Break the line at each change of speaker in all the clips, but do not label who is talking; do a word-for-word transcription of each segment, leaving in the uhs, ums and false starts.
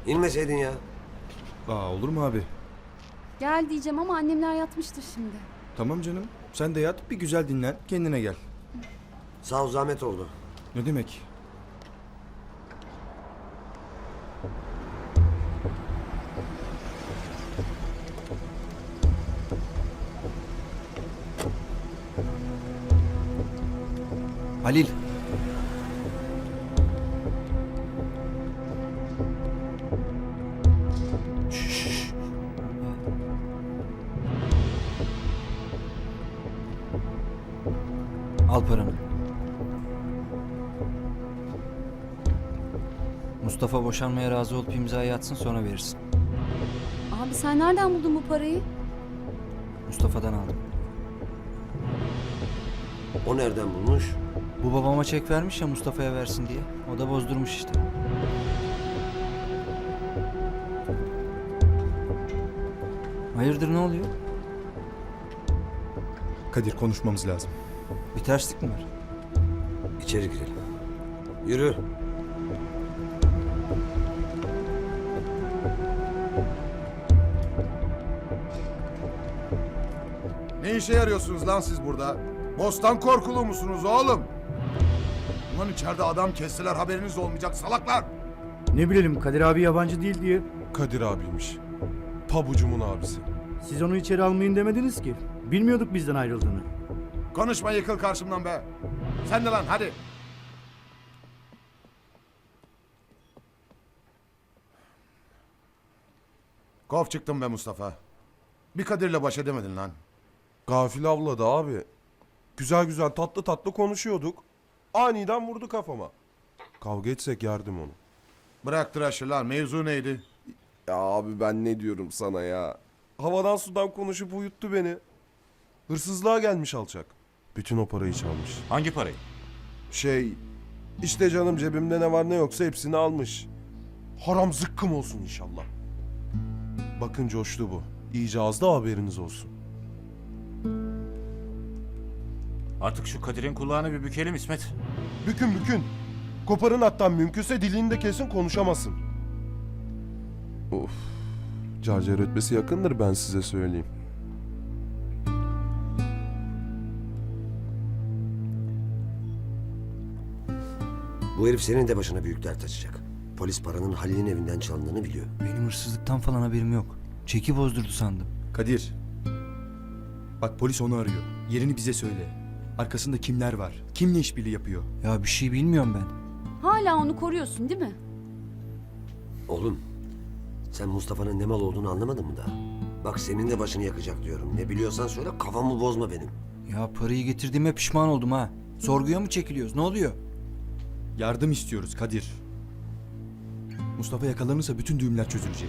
İnmeseydin ya.
Aa, olur mu abi?
Gel diyeceğim ama annemler yatmıştır şimdi.
Tamam canım. Sen de yat, bir güzel dinlen, kendine gel.
Sağ ol, zahmet oldu.
Ne demek? Halil. Şşş.
Al paranı. Mustafa boşanmaya razı olup imzayı atsın, sonra verirsin.
Abi sen nereden buldun bu parayı?
Mustafa'dan aldım.
O nereden bulmuş?
Bu babama çek vermiş ya Mustafa'ya versin diye. O da bozdurmuş işte. Hayırdır, ne oluyor?
Kadir, konuşmamız lazım.
Bir terslik mi var?
İçeri girelim. Yürü.
Ne işe yarıyorsunuz lan siz burada? Bostan korkulu musunuz oğlum? Ulan içeride adam kestiler, haberiniz olmayacak salaklar.
Ne bilelim, Kadir abi yabancı değil diye.
Kadir abiymiş. Pabucumun abisi.
Siz onu içeri almayın demediniz ki. Bilmiyorduk bizden ayrıldığını.
Konuşma, yıkıl karşımdan be. Sen de lan hadi. Kov çıktım be Mustafa. Bir Kadir'le baş edemedin lan.
Gafil avladı abi. Güzel güzel tatlı tatlı konuşuyorduk. Aniden vurdu kafama. Kavga etsek yerdim onu.
Bırak tıraşı lan, mevzu neydi?
Ya abi ben ne diyorum sana ya. Havadan sudan konuşup uyuttu beni. Hırsızlığa gelmiş alçak. Bütün o parayı çalmış.
Hangi parayı?
Şey, işte canım cebimde ne var ne yoksa hepsini almış. Haram zıkkım olsun inşallah. Bakın coştu bu. İyice az da haberiniz olsun.
Artık şu Kadir'in kulağını bir bükelim İsmet.
Bükün bükün. Koparın hatta mümkünse dilini de kesin konuşamasın. Of. Carcar ötmesi yakındır ben size söyleyeyim.
Bu herif senin de başına büyük dert açacak. Polis paranın Halil'in evinden çalındığını biliyor.
Benim hırsızlıktan falan haberim yok. Çeki bozdurdu sandım.
Kadir. Bak, polis onu arıyor. Yerini bize söyle. Arkasında kimler var? Kimle işbirliği yapıyor?
Ya bir şey bilmiyorum ben.
Hala onu koruyorsun değil mi?
Oğlum, sen Mustafa'nın ne mal olduğunu anlamadın mı daha? Bak senin de başını yakacak diyorum. Ne biliyorsan söyle, kafamı bozma benim.
Ya parayı getirdiğime pişman oldum ha. Sorguya mı çekiliyoruz? Ne oluyor?
Yardım istiyoruz Kadir. Mustafa yakalanırsa bütün düğümler çözülecek.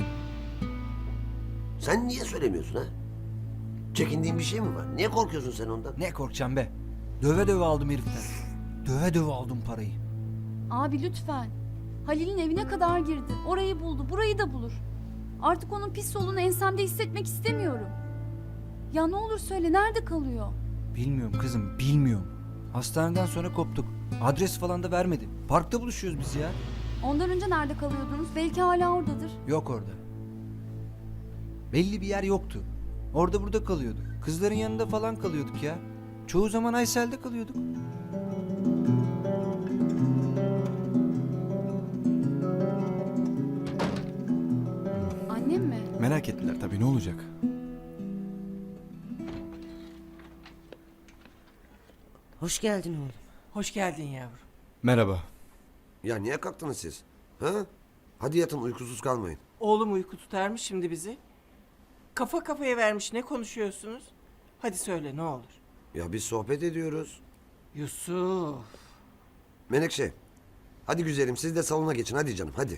Sen niye söylemiyorsun ha? Çekindiğin bir şey mi var? Niye korkuyorsun sen ondan?
Ne korkacağım be? Döve döve aldım heriften. Döve döve aldım parayı.
Abi lütfen. Halil'in evine kadar girdi. Orayı buldu, burayı da bulur. Artık onun pis solunu ensemde hissetmek istemiyorum. Ya ne olur söyle, nerede kalıyor?
Bilmiyorum kızım, bilmiyorum. Hastaneden sonra koptuk. Adres falan da vermedi. Parkta buluşuyoruz biz ya.
Ondan önce nerede kalıyordunuz? Belki hala oradadır.
Yok orada. Belli bir yer yoktu. Orada burada kalıyorduk. Kızların yanında falan kalıyorduk ya. Çoğu zaman Aysel'de kalıyorduk.
Annem mi?
Merak ettiler tabii, ne olacak?
Hoş geldin oğlum.
Hoş geldin yavrum.
Merhaba.
Ya niye kalktınız siz? Ha? Hadi yatın, uykusuz kalmayın.
Oğlum uyku tutar mı şimdi bizi? Kafa kafaya vermiş, ne konuşuyorsunuz? Hadi söyle ne olur.
Ya biz sohbet ediyoruz.
Yusuf.
Menekşe, hadi güzelim siz de salona geçin, hadi canım hadi.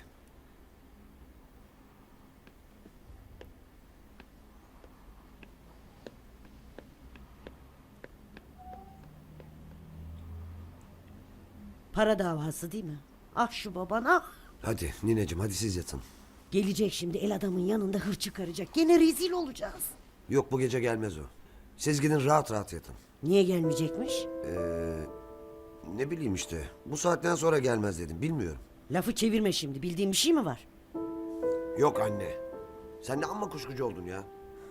Para davası değil mi? Ah şu baban ah.
Hadi nineciğim, hadi siz yatın.
Gelecek şimdi el adamın yanında hır çıkaracak. Gene rezil olacağız.
Yok, bu gece gelmez o. Siz gidin rahat rahat yatın.
Niye gelmeyecekmiş?
Ee, ne bileyim işte. Bu saatten sonra gelmez dedim, bilmiyorum.
Lafı çevirme şimdi. Bildiğin bir şey mi var?
Yok anne. Sen de amma kuşkucu oldun ya.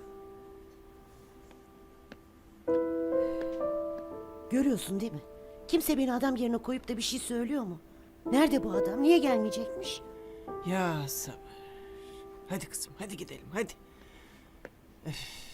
Görüyorsun değil mi? Kimse beni adam yerine koyup da bir şey söylüyor mu? Nerede bu adam? Niye gelmeyecekmiş?
Ya sabır. Hadi kızım hadi gidelim hadi. Öf.